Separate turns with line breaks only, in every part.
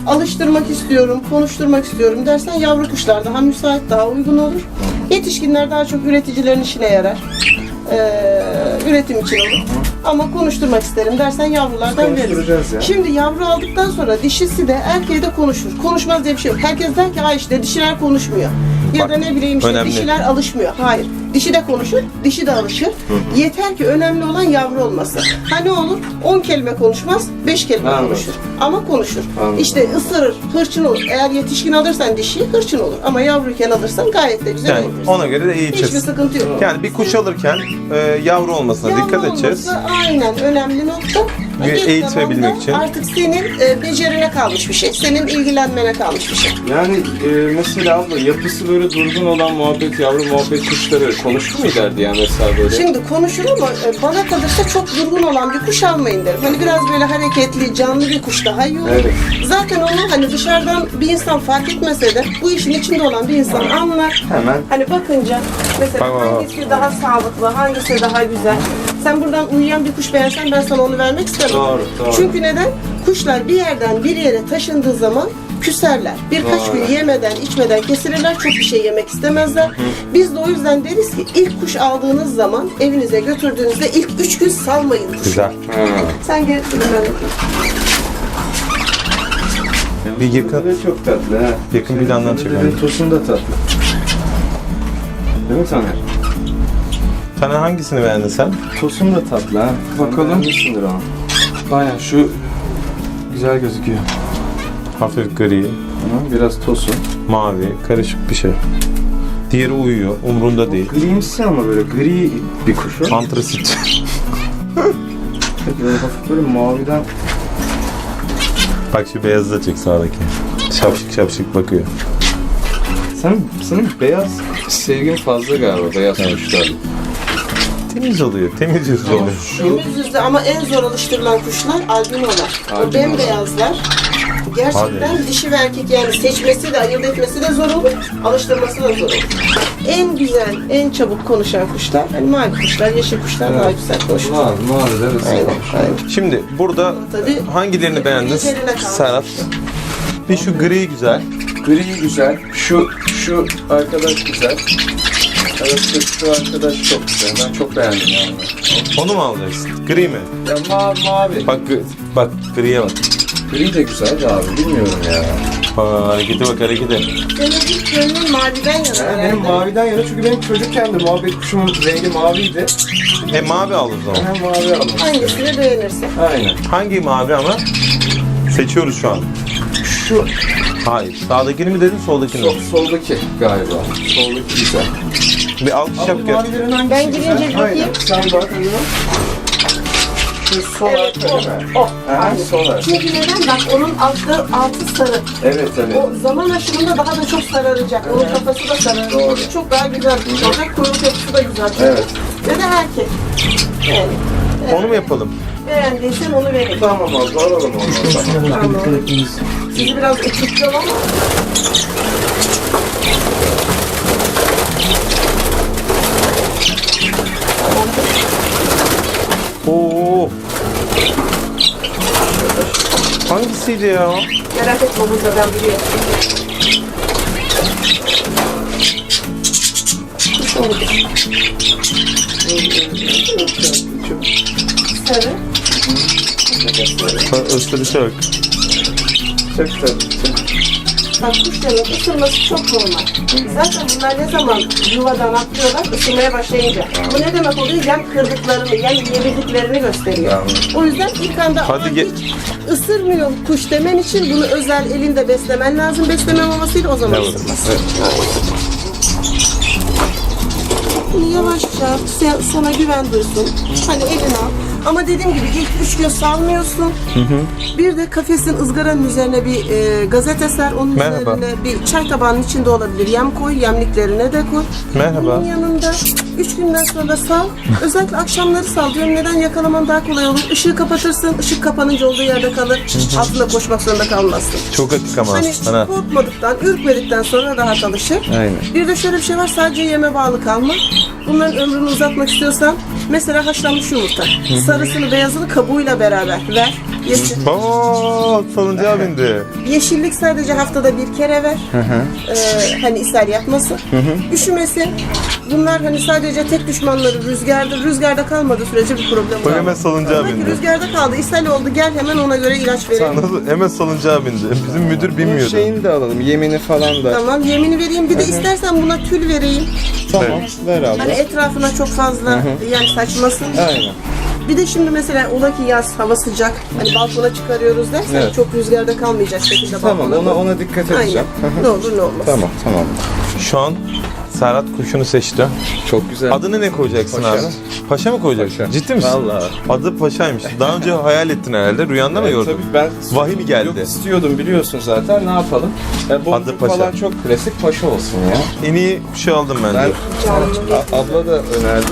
alıştırmak istiyorum, konuşturmak istiyorum dersen yavru kuşlar daha müsait, daha uygun olur. Yetişkinler daha çok üreticilerin işine yarar. Üretim için olur. Ama konuşturmak isterim dersen yavrulardan veririz.
Ya.
Şimdi yavru aldıktan sonra dişisi de erkeği de konuşur. Konuşmaz diye bir şey yok. Herkes der ki ha işte dişiler konuşmuyor. Ya da ne bileyim işte
önemli.
dişiler alışmıyor. Hayır. Dişi de konuşur, dişi de alışır. Yeter ki önemli olan yavru olması. Ha ne olur? 10 kelime konuşmaz, 5 kelime
Anladım.
konuşur. Ama konuşur.
Anladım.
İşte ısırır, hırçın olur. Eğer yetişkin alırsan dişi hırçın olur. Ama yavruyken alırsan gayet de güzel
Yani
olur.
ona göre de
Hiçbir
eğiteceğiz.
sıkıntı yok.
Yani bir kuş alırken yavru olmasına
Yavru
dikkat edeceğiz.
olması aynen önemli nokta.
Ve
Geç
eğitebilmek
zamanda
için.
Artık senin becerine kalmış bir şey. Senin ilgilenmene kalmış bir şey.
Yani mesela abla yapısı böyle durgun olan yavru muhabbet kuşları konuşur mu ileride yani mesela böyle?
Şimdi konuşur ama bana kalırsa çok durgun olan bir kuş almayın derim. Hani biraz böyle hareketli, canlı bir kuş daha iyi olur.
Evet.
Zaten onu hani dışarıdan bir insan fark etmese de bu işin içinde olan bir insan anlar.
Hemen.
Hani bakınca mesela
Bak.
hangisi daha sağlıklı, hangisi daha güzel. Sen buradan uyuyan bir kuş beğensen ben sana onu vermek istemem.
Doğru, doğru.
Çünkü neden? Kuşlar bir yerden bir yere taşındığı zaman küserler. Birkaç
Doğru.
gün yemeden, içmeden kesilirler. Çok bir şey yemek istemezler. Biz de o yüzden deriz ki ilk kuş aldığınız zaman evinize götürdüğünüzde ilk 3 gün salmayın kuşu.
Güzel.
Ha.
Sen gel ben yapayım.
Bir yakın,
Böyle çok tatlı ha.
yakın plandan çekelim.
Tosun da tatlı. Değil mi Taner?
Sen hangisini beğendin sen?
Tosun da tatlı ha. Bakalım. Beğenmişsindir ama. Baya şu güzel gözüküyor.
Hafif gri,
Hı, biraz tosun.
mavi, karışık bir şey. Diğeri uyuyor, umrunda değil.
Grimsi ama böyle gri bir kuş o.
Antrasit.
Böyle hafif böyle maviden.
Bak şu beyazı da çek sağdaki. Şapşık şapşık bakıyor.
Senin beyaz sevgin fazla galiba beyaz kuşlar.
Temiz oluyor, temiz yüzlü oluyor.
Temiz yüzlü ama en zor alıştırılan kuşlar albinolar. O
Albinolar.
bembeyazlar. Gerçekten dişi ve erkek yani seçmesi de ayırt etmesi de zor olur, alıştırması da zor olur. En güzel, en çabuk konuşan kuşlar, hani mavi kuşlar, yeşil kuşlar daha güzel konuşur.
Mavi de
Aynen, aynen.
Şimdi burada
Tabii,
hangilerini beğendin
üzerine kalmış.
Serhat? Bir şu gri güzel.
Gri güzel. Şu arkadaş güzel. Evet şu arkadaş çok güzel. Ben çok beğendim yani.
Onu mu alacaksın? Gri mi?
Ya mavi.
Bak griye bak.
Gri de güzel de abi bilmiyorum ya.
Harekete bak harekete.
Senin ilk gönlün maviden yana herhalde.
Benim maviden yana çünkü benim çocukken de muhabbet kuşumun rengi maviydi.
Mavi al o zaman.
Ben mavi aldım.
Hangisini beğenirsin?
Aynen.
Hangi mavi ama? Seçiyoruz şu an.
Şu
Hayır. Sağdakini mi dedin soldakini mi?
soldaki galiba. Soldaki güzel.
Bir alkış yap gel.
Mavilerin hangisi
Ben
güzel?
girince bir bakayım.
Aynen. Sen bak. Şu sol
Evet,
arka
o.
değil mi?
O.
Ha,
Aynen.
sol arka.
Çünkü neden? Bak onun altı sarı.
Evet evet.
O zaman aşımında daha da çok sararacak. Onun kafası da sararacak.
Doğru.
Çok daha güzel bir kuş olacak. Kuyruk yapısı da güzel.
Evet.
Ve de erkek. Yani.
Onu mu yapalım?
Beğendiysen onu verin.
Tamam abla alalım onu. Tamam.
Tamam. Sizi biraz ısıtacağım ama.
Oo. Hangisiydi ya?
Merak etme burada ben biliyorum. Kuş oldu. Sarı.
Isırışa bak.
Çok tatlı.
Bak kuşların ısırması çok normal. Zaten bunlar ne zaman yuvadan atlıyorlar ısırmaya başlayınca. Bu ne demek oluyor? Yem kırdıklarını, yem yemediklerini gösteriyor. O yüzden ilk anda
Hadi
"Aman
gel."
hiç ısırmıyor kuş demen için bunu özel elinde beslemen lazım. Besleme mamasıyla o zaman
Evet.
ısırmaz. Bunu yavaşça sana güven duysun. Hani elini al. Ama dediğim gibi ilk 3 gün salmıyorsun. Bir de kafesin ızgaranın üzerine bir gazete ser. Onun
Merhaba.
üzerine bir çay tabağının içinde olabilir. Yem koy, yemliklerine de koy.
Merhaba.
Bunun yanında 3 günden sonra sal. Özellikle akşamları sal diyorum. Neden yakalaman daha kolay olur. Işığı kapatırsın. Işık kapanınca olduğu yerde kalır. Altında koşmak zorunda kalmazsın.
Çok açık ama.
Hani
Ana.
korkmadıktan, ürkmedikten sonra rahat alışır.
Aynen.
Bir de şöyle bir şey var, sadece yeme bağlı kalma. Bunların ömrünü uzatmak istiyorsan, mesela haşlanmış yumurta. Sarısını, beyazını kabuğuyla beraber ver. Yeşil.
Salıncağa bindi.
Yeşillik sadece haftada bir kere ver. Hani ishal yapmasın. Üşümesin. Bunlar hani sadece tek düşmanları rüzgardır. Rüzgarda kalmadığı sürece bir problem
Bak
olmaz.
hemen salıncağa
Ama ki
bindi.
rüzgarda kaldı, ishal oldu. Gel hemen ona göre ilaç verelim.
Nasıl? Hemen salıncağa bindi. Bizim müdür
Bunun
bilmiyordu.
şeyini de alalım. Yemini falan da.
Tamam, yemini vereyim. Bir de istersen buna tül vereyim.
Tamam. Ver abla.
Hani etrafına çok fazla yani saçmasın.
Aynen.
Bir de şimdi mesela ola ki yaz, hava sıcak. Hani balkona çıkarıyoruz dersen
Evet.
çok rüzgarda kalmayacak şekilde
Tamam,
balkona.
ona dikkat edeceğim.
Aynen. Ne olur ne olmaz.
Tamam.
Şu an Serhat kuşunu seçti.
Çok güzel.
Adını ne koyacaksın
Paşa.
abi? Paşa mı koyacaksın?
Paşa.
Ciddi misin?
Vallahi.
Adı Paşa'ymış. Daha önce hayal ettin herhalde. Rüyanda mı gördün?
Tabii ben
Vahiy mi geldi?
Yok istiyordum biliyorsun zaten. Ne yapalım? Boncuk
Adı Paşa.
falan çok klasik, Paşa olsun ya.
En iyi kuşu aldım
Ben
bence.
abla da önerdi.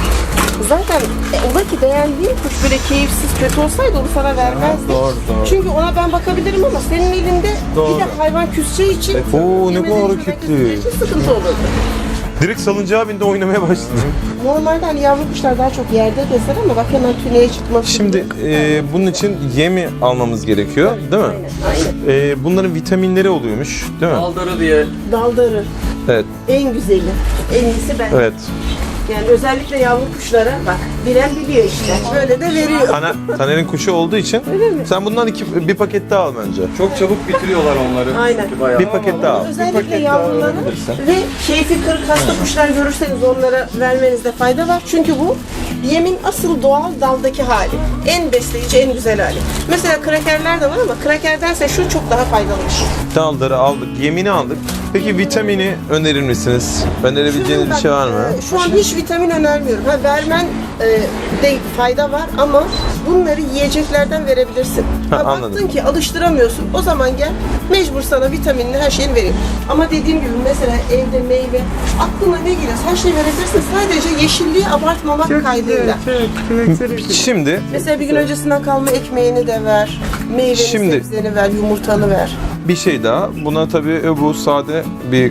Zaten ola ki beğendiğin kuş böyle keyifsiz, kötü olsaydı onu sana vermezdi.
Doğru.
Çünkü ona ben bakabilirim ama senin elinde
Doğru.
bir de hayvan küseceği için
Oo ne
yemediğin
kadar
için
hareketli.
için sıkıntı olurdu.
Direkt salıncağa bindi oynamaya başladı.
Normalde hani yavru kuşlar daha çok yerde gezer ama bak hemen tüneye çıkması.
Şimdi bunun için yemi almamız gerekiyor değil mi?
Aynen.
Bunların vitaminleri oluyormuş değil mi?
Aldarı diye.
Daldarı
Evet.
en güzeli. En iyisi ben.
Evet.
Yani özellikle yavru kuşlara bak bilen biliyor işte. Böyle de veriyor.
Taner'in kuşu olduğu için sen bundan bir paket daha al bence.
Çok çabuk bitiriyorlar onları.
Aynen.
Çünkü bayağı.
Bir paket daha al.
Özellikle
paket daha
yavruları
alabilirsen.
ve keyfi kırık hasta kuşlar görürseniz onlara vermenizde fayda var. Çünkü bu yemin asıl doğal daldaki hali. En besleyici, en güzel hali. Mesela krakerler de var ama krakerdense şu çok daha faydalı bir şey.
Dalları aldık, yemini aldık. Peki vitamini önerir misiniz? Önerebileceğiniz bir şey var mı?
Şu an hiç vitamin önermiyorum. Vermen de fayda var ama bunları yiyeceklerden verebilirsin.
Anladım.
Baktın ki alıştıramıyorsun. O zaman gel mecbur sana vitaminini her şeyini vereyim. Ama dediğim gibi mesela evde meyve aklına ne geliyor her şeyi verebilirsin. Sadece yeşilliği abartmamak kaydıyla.
Şimdi
Mesela bir gün öncesinden kalma ekmeğini de ver. Meyveni,
Şimdi-
sebzeni ver, yumurtanı ver.
bir şey daha. Buna tabii bu sade bir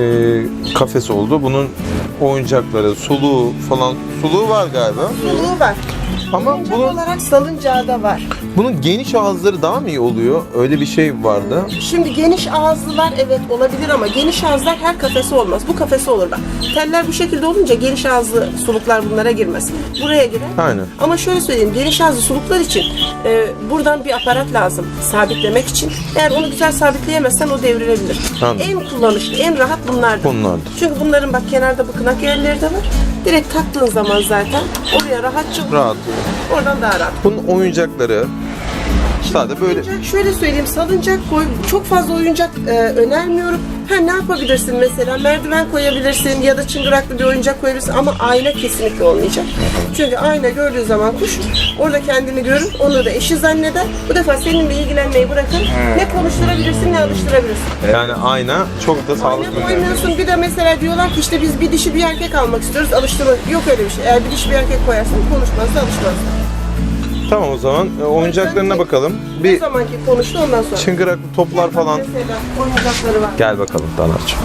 kafes oldu. Bunun oyuncakları, suluğu falan. Suluğu var galiba.
Suluğu var.
Ama
Oyuncak
bunun,
olarak salıncağı da var.
bunun geniş ağızları daha mı iyi oluyor? Öyle bir şey vardı.
Şimdi geniş ağızlılar evet olabilir ama geniş ağızlar her kafesi olmaz. Bu kafesi olur bak. Teller bu şekilde olunca geniş ağızlı suluklar bunlara girmez. Buraya girer.
Aynen.
Ama şöyle söyleyeyim, geniş ağızlı suluklar için buradan bir aparat lazım sabitlemek için. Eğer onu güzel sabitleyemezsen o devrilebilir.
Anladım.
En kullanışlı, en rahat bunlardır.
Bunlardır.
Çünkü bunların bak kenarda bıkınak yerleri de var. Direkt taktığın zaman zaten oraya rahatça
Rahat.
oradan daha rahat.
Bunun oyuncakları sade böyle.
Oyuncak şöyle söyleyeyim, salıncak koy, çok fazla oyuncak önermiyorum. Ne yapabilirsin mesela, merdiven koyabilirsin ya da çıngıraklı bir oyuncak koyabilirsin ama ayna kesinlikle olmayacak. Çünkü ayna gördüğü zaman kuş orada kendini görür, onu da eşi zanneder. Bu defa seninle ilgilenmeyi bırakır. Ne konuşturabilirsin ne alıştırabilirsin.
Yani ayna çok da sağlıklı.
Ayna koymuyorsun, bir de mesela diyorlar ki işte biz bir dişi bir erkek almak istiyoruz, alıştırmak. Yok öyle bir şey. Eğer bir dişi bir erkek koyarsan konuşmazsa alışmaz.
Tamam o zaman oyuncaklarına bakalım.
Ne
Bir
zamanki konuştu ondan sonra.
çıngıraklı toplar falan.
Mesela oyuncakları var.
Gel bakalım Taner'cığım.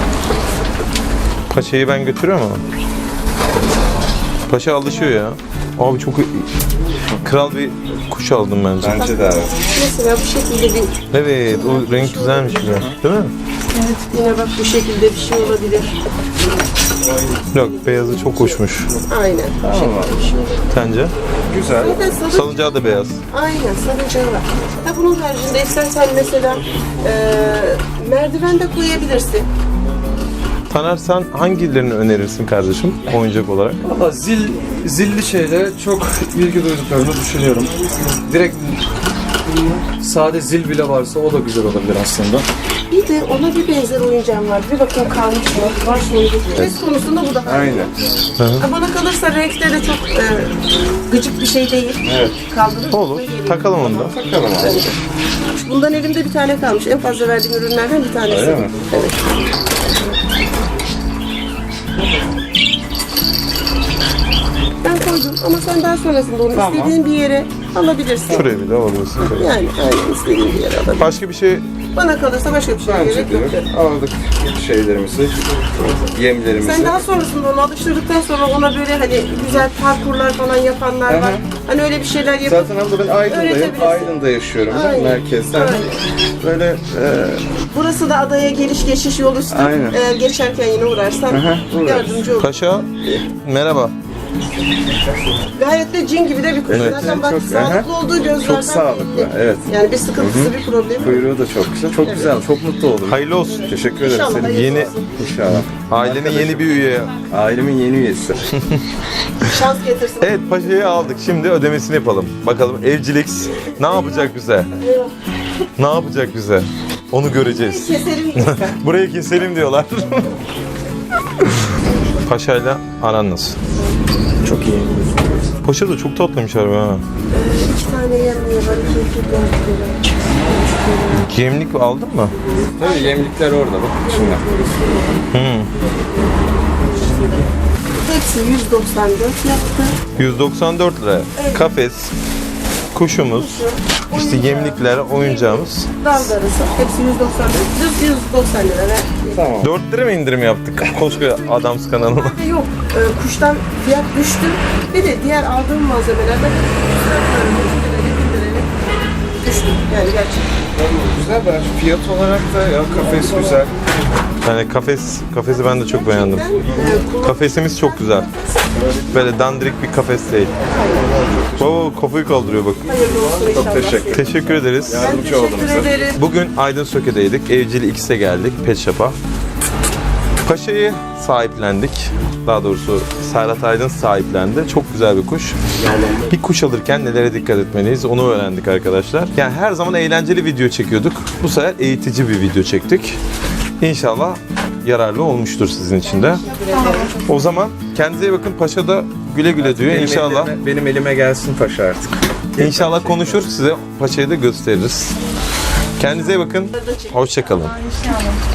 Paşa'yı ben götürüyorum ama. Paşa alışıyor ya. Abi çok kral bir kuş aldım bence.
Bence de evet.
Mesela bu şekilde bir
Evet o renk güzelmiş güzel. Değil mi?
evet, yine bak bu şekilde bir şey olabilir.
Yok beyazı çok hoşmuş.
Aynen.
Tamam abi.
Sence?
Güzel.
Zaten
Salıncağı da beyaz.
aynen salıncağı var. Bunun haricinde istersen mesela merdiven de koyabilirsin.
Taner sen hangilerini önerirsin kardeşim oyuncak olarak?
Valla zilli şeylere çok ilgi duyduklarını düşünüyorum. Direkt sade zil bile varsa o da güzel olabilir aslında.
Bir de ona bir benzer oyuncağım var. Bir bakın kalmış mı? Var şimdi. Ses konusunda bu da.
Aynen.
Bana kalırsa renkte de çok gıcık bir şey değil.
Evet.
Kaldırır.
Olur. Takalım onu da.
Bakalım abi.
Bundan elimde bir tane kalmış. En fazla verdiğim ürünlerden bir tanesi.
Öyle mi?
Evet. Ben koydum ama sen daha sonrasında onu
Tamam.
istediğin bir yere alabilirsin.
Şuraya bir de alabilirsin.
Yani aynen istediğin bir yere alabilirsin.
Başka bir şey
Bana kalırsa başka bir şeye
Bence
gerek yok.
de aldık şeylerimizi, yemlerimizi.
Sen daha sonrasında onu alıştırdıktan sonra ona böyle hani güzel parkurlar falan yapanlar var.
Aha.
Hani öyle bir şeyler yapıp
Zaten abla ben Aydın'dayım.
öğretebilirsin.
Aydın'da yaşıyorum ben
Aynen.
merkezden.
Aynen.
Böyle
burası da adaya geliş geçiş yol üstü.
Aynen.
Eğer geçerken yine uğrarsan
Aha, uğrarız.
yardımcı olur.
Paşa merhaba.
Gayet de cin gibi de bir kuş.
Evet.
Zaten bak
Çok-
sağlıklı olduğu gözlerden
çok sağlıklı.
belli.
Evet.
Yani bir sıkıntısı bir problemi yok.
kuyruğu da çok güzel. Çok güzel. Çok mutlu oldum.
Hayırlı olsun.
Teşekkür ederim
İnşallah
senin.
hayırlısı
Yeni-
olsun.
İnşallah.
Ailenin yeni bir üye.
Ailemin yeni üyesi.
Şans getirsin.
Evet, Paşa'yı aldık. Şimdi ödemesini yapalım. Bakalım evcilik ne yapacak bize? Ne yapacak bize? Onu göreceğiz.
Keselim lütfen.
Burayı keselim diyorlar. Paşa'yla aran nasıl?
Çok iyi.
Paşa da çok tatlıymış harbi ha.
2 tane yemeği var. 2
Gemlik aldın mı?
Tabii yemlikler orada bak şimdi.
Hepsi 194 yaptı.
194 lira. Kafes, kuşumuz, işte yemlikler, oyuncağımız.
Dalgarısı. Hepsi 194. Düz 190 lira ver.
Tamam.
4 lira mı indirim yaptık koskoca Adams kanalına?
Yok. Kuştan fiyat düştü. Bir de diğer aldığım malzemelerden düştü. Yani gerçekten.
Güzel ben fiyat olarak da ya kafes güzel.
Yani kafesi ben de çok beğendim. Kafesimiz çok güzel. Böyle dandirik bir kafes değil. Baba kafayı kaldırıyor bak.
Hayırlı olsun inşallah.
teşekkür
Teşekkür ederiz.
Ben
Yardımcı oldum
teşekkür
size.
ederim.
Bugün Aydın Söke'deydik. Evcil X'e geldik. Pet Shop'a. Paşa'yı sahiplendik. Daha doğrusu Serhat Aydın sahiplendi. Çok güzel bir kuş. Bir kuş alırken nelere dikkat etmeliyiz onu öğrendik arkadaşlar. Yani her zaman eğlenceli video çekiyorduk. Bu sefer eğitici bir video çektik. İnşallah yararlı olmuştur sizin için de. O zaman kendinize iyi bakın. Paşa da güle güle diyor. İnşallah.
Benim elime gelsin paşa artık.
İnşallah konuşur. Size Paşa'yı da gösteririz. Kendinize iyi bakın. Hoşça kalın.